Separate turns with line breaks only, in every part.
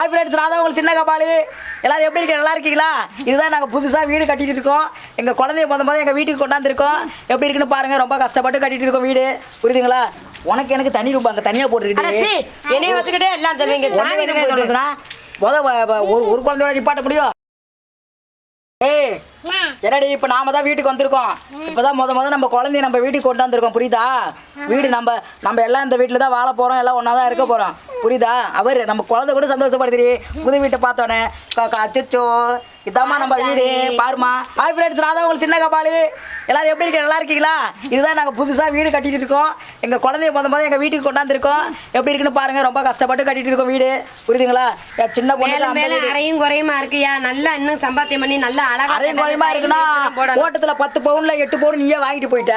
Hi friends, நான் தான் உங்களுக்கு சின்ன கபாலி. எல்லாரும் எப்படி இருக்கீங்க? நல்லா இருக்கீங்களா? இதுதான் நாங்கள் புதுசாக வீடு கட்டிட்டு இருக்கோம். எங்கள் குழந்தைய போது எங்கள் வீட்டுக்கு கொண்டாந்துருக்கோம். எப்படி இருக்குன்னு பாருங்கள். ரொம்ப கஷ்டப்பட்டு கட்டிட்டு இருக்கோம் வீடு. புரியுதுங்களா? உனக்கு எனக்கு தனி ரூபா அங்கே தனியாக போட்டுக்கிட்டு
என்னைய வச்சுக்கிட்டே எல்லாம் சொல்லுவீங்க.
ஒரு குழந்தையோட நிப்பாட்ட முடியும்? ஏய் என்னடி, இப்போ நாம தான் வீட்டுக்கு வந்திருக்கோம். இப்போதான் முத நம்ம குழந்தைய நம்ம வீட்டுக்கு கொண்டாந்துருக்கோம். புரியுதா? வீடு நம்ம எல்லாம் இந்த வீட்டில் தான் வாழ போகிறோம். எல்லாம் ஒன்றா தான் இருக்க போகிறோம். புரியுதா? அவர் நம்ம குழந்தை கூட சந்தோஷப்படுத்துறீ. புது வீட்டை பார்த்தோன்னே அச்சோ இதாம்மா நம்ம வீடு பாருமா. ஹாய் ஃப்ரெண்ட்ஸ், நான் தான் உங்களுக்கு சின்ன கபாலி. எல்லாரும் எப்படி இருக்கீங்க? நல்லா இருக்கீங்களா? இதுதான் நாங்கள் புதுசாக வீடு கட்டிட்டு இருக்கோம். எங்கள் குழந்தைய போது எங்கள் வீட்டுக்கு கொண்டாந்துருக்கோம். எப்படி இருக்குன்னு பாருங்கள். ரொம்ப கஷ்டப்பட்டு கட்டிட்டு இருக்கோம் வீடு. புரியுதுங்களா? சின்ன
பொண்ணு அரையும் குறையுமா இருக்கியா? நல்லா இன்னும் சம்பாத்தியம் பண்ணி நல்லா அழகா
அரையும் குறையுமா இருக்குன்னா ஓட்டத்துல 10 பவுன்ல 8 பவுன் நீயே வாங்கிட்டு போயிட்ட.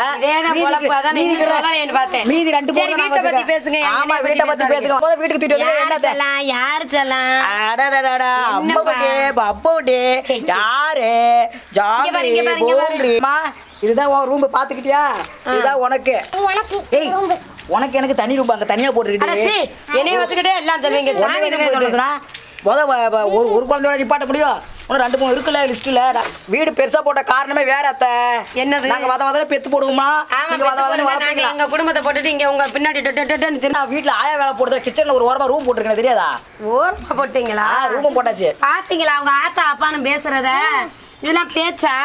மீதி 2 பவுன்
வீட்டை பத்தி பேசுங்க.
ஆமா, வீட்டை பத்தி பேசுங்க. போத வீட்டுக்கு தூக்கிட்டு வந்து என்ன
செல்லாம் யார் செல்லாம்?
அடடடடா அம்மாவுடே பப்போடே யாரு ஜாலிமா. இதுதான் உன் ரூம் பாத்துக்கிட்டியா? இதுதான் உனக்கு. ஏய் உனக்கு எனக்கு தனி ரூம் அங்க தனியா போட்டுக்கிட்டு
என்னைய வச்சுக்கிட்டே எல்லாம் சொல்லுவீங்க.
ஒரு குழந்தையோட நிப்பாட்ட முடியும்? இன்னும் 2-3 இருக்குல்ல லிஸ்ட்ல. வீடு பெருசா போட்ட காரணமே வேற அத்தை.
என்னது?
நாங்க வத பெத்து போடுவோமா?
எங்க குடும்பத்தை போட்டுட்டு இங்க உங்க பின்னாடி
வீட்டுல ஆயா வேலை போடுறது. கிச்சன்ல ஒரு ஓரமா ரூம் போட்டுருக்கேன், தெரியாதா?
ஓரமா போட்டீங்களா?
ரூம் போட்டாச்சு.
பாத்தீங்களா அவங்க ஆத்தா அப்பான்னு பேசுறத? இதெல்லாம் பேச்சா?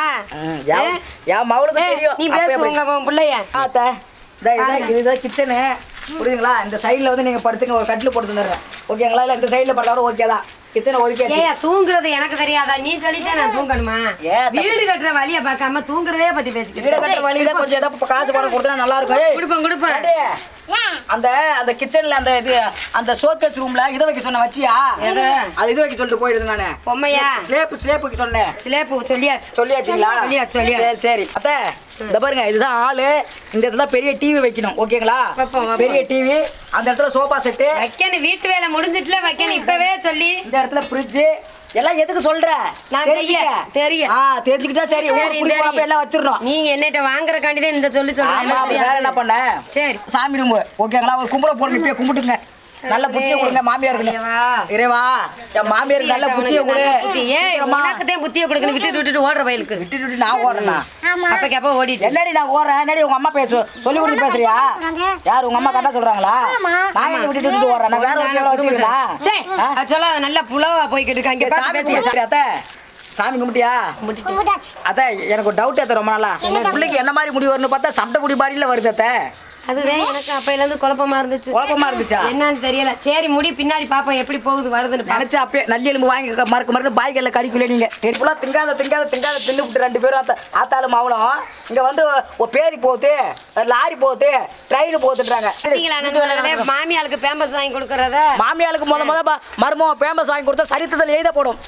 என் மவளுக்கு தெரியும்.
நீ பேசு உங்க பிள்ளைய.
ஆத்தா இதுதான் கிச்சனு. புரியுதுங்களா? இந்த சைடுல வந்து நீங்க படுத்துங்க, ஒரு கட்டில் போட்டு தந்துடுறேன். ஓகேங்களா? இல்ல இந்த சைடுல படுத்தாலும் ஓகே தான். கிச்சனை ஒதுக்கியாச்சு.
தூங்குறது எனக்கு தெரியாதா? நீ சொல்லிட்டே நான் தூங்கணுமா? வீடு கட்டுற வழியை பார்க்காம தூங்குறதே பத்தி பேசிக்கிட்டு.
வீடு கட்டுற வழியில கொஞ்சம் ஏதாவது காசு பணம் கொடுத்தா நல்லா இருக்கும்.
கொடுப்பேன்.
அந்த கிச்சன்ல அந்த ஷோகேஸ் ரூம்ல இத வைக்க சொன்ன வச்சியா? அது இது வைக்க சொல்லிட்டு போயிடுது. நானு
பொம்மையா
ஸ்லேப்புக்கு சொன்னேன்.
ஸ்லேப்பு
சொல்லியாச்சுங்களா? சரி அத்தை, இந்த பாருங்க, இதுதான் ஆளு. இந்த இடத்துல பெரிய டிவி வைக்கணும். ஓகேங்களா? பெரிய டிவி. அந்த இடத்துல சோபா செட்டு
வைக்கணும். வீட்டு வேலை முடிஞ்சிட்டுல வைக்கணும். இப்பவே சொல்லி இந்த
இடத்துல ஃப்ரிட்ஜ் எல்லாம் எதுக்கு சொல்ற?
தெரியும்.
தெரிஞ்சுக்கிட்டா சரி. எல்லாம் வச்சிடணும்.
நீங்க என்னட்ட வாங்குறக்காண்டி தான் இந்த சொல்லி சொல்றேன்.
வேற என்ன பண்ண?
சரி
சாமி ரூம். ஓகேங்களா? ஒரு கும்பிட போறோம். இப்பயே கும்பிட்டுங்க. நல்ல புத்திய கொடுங்க மாமியாருக்கு. இறைவா என் மாமியாருக்கு நல்ல புத்திய கொடு.
உனக்குதான் புத்திய கொடுக்கணும். விட்டுட்டு ஓடுற வயலுக்கு
விட்டுட்டு நான் ஓடுறேன்னா
அப்ப ஓடிட்டு
என்னடி நான் ஓடுறேன்? என்னடி உங்க அம்மா சொல்லி கொடுத்து பேசுறியா? யார் உங்க அம்மா கரெக்டா சொல்றாங்களா? நான் எங்க விட்டுட்டு ஓடுறேன்? நான் வேற ஒரு வச்சுக்கிறேன்.
சொல்லாத நல்லா புலவா போய்கிட்டு இருக்காங்க.
சாமி கும்பிட்டியா? அதான் எனக்கு ஒரு டவுட். ரொம்ப நாளா பிள்ளைக்கு என்ன மாதிரி முடி வரும்னு பார்த்தா சண்டை முடி பாடியில வருது. அத்தை
அதுதான் எனக்கு அப்பையில இருந்து குழப்பமா இருந்துச்சா என்னன்னு தெரியல. சரி முடி பின்னாடி பாப்போம் எப்படி போகுது வருதுன்னு
நினைச்சா. அப்பயே நல்லி எலும்பு வாங்கி மறுக்க பாய்கல்ல கடிக்கல. நீங்க தெரியல திங்காத தின்னு விட்டு 2 பேரும் ஆத்தாலும் அவளும் இங்க வந்து பேரி போகுது, லாரி போகுது, ட்ரெயின் போகுதுன்றாங்க.
மாமியாளுக்கு பேம்பஸ் வாங்கி கொடுக்கறத
மாமியாளுக்கு முத மருமோ பேம்பஸ் வாங்கி கொடுத்தா சரித்திரத்தில் எழுத போடும்.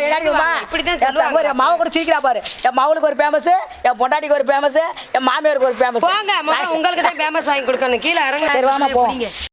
மாவை கூட சீக்கிரா பாரு. என் மவளுக்கு ஒரு பேமஸ், என் பொண்டாட்டிக்கு ஒரு பேமஸ், என் மாமியாருக்கு ஒரு பேமஸ்.
உங்களுக்கு தான் பேமஸ் வாங்கி கொடுக்கணும். கீழே இறங்க.